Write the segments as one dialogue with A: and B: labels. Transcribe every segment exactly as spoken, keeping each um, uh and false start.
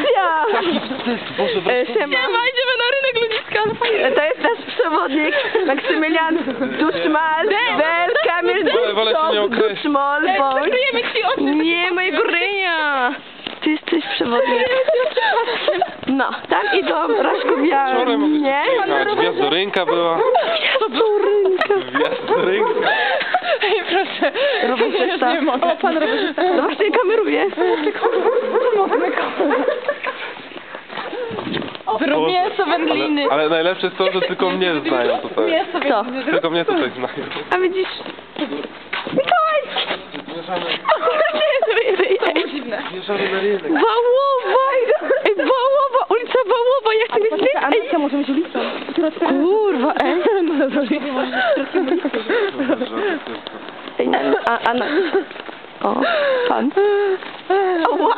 A: Sylwia!
B: Boże,
A: E, Siema.
C: Nie ma, idziemy na rynek ludziska.
A: E, To jest nasz przewodnik, Maksymilian Duszmal, Bel, Kamil
B: Wolę- wolę się nie
A: Duszmal,
B: określić.
A: Duszmal, bądź.
C: Przykryjemy ci oczy.
A: Nie, mojego ryja! Ty jesteś przewodnik. No, tam idą
B: Wczoraj
A: Raszkowianie.
B: mogliśmy przyjechać. Gwiazdorynka była.
A: Gwiazdorynka.
B: Gwiazdorynka.
C: Ej, proszę.
A: Rowerzysta.
C: Nie mogę. O, pan rowerzysta.
A: No właśnie kameruje.
C: Zrób mięso wędliny.
B: Ale, ale najlepsze jest to, że tylko mnie znają tutaj.
C: Mięso
A: Co?
C: wędliny.
B: Tylko mnie tutaj znają.
A: A widzisz? Mikołaj!
C: Dziwne.
B: Zmierzamy na rynek.
A: Wałowa! Ej, Wałowa! Ulica Wałowa! Ja chcę mieć zdjęcie! Ej,
C: może być ulicą.
A: kurwa, ej! Ej, a, a, na... O, pan. O, wow!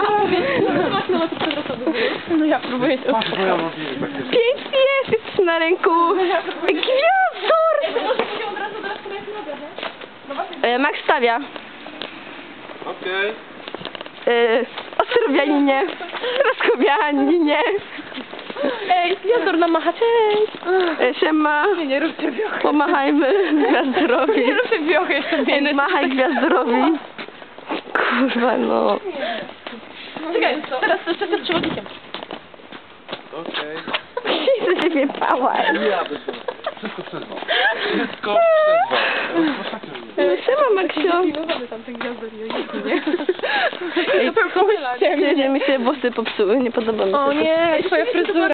C: No ja próbuję to.
B: Patrz, moja mobili takie.
A: Pięknie jest! Jesteś na ręku! Gwiazdor! E, Max stawia.
B: Okej.
A: E, Ostrowianinie. Raskowianinie.
C: Ej, Gwiazdor nam macha, cześć.
A: E, siema.
C: Nie, nie róbcie wiochy.
A: Pomachajmy Gwiazdorowi.
C: Nie róbcie wiochy, jestem
A: Ej,
C: biedny.
A: machaj Gwiazdorowi. Kurwa, no.
C: Czekaj, teraz to jeszcze jestem przewodnikiem.
B: Okej.
A: Jezu, się wiepałaś.
B: Ja bym to. Wszystko przez was. Wszystko przez was.
A: E, siema, Maksio.
C: Pilnowamy tam ten Gwiazdor i nie?
A: Ej,
C: To pewnie
A: nie, mi się włosy popsuły, nie podoba mi się
C: O
A: to.
C: nie, twoja fryzura.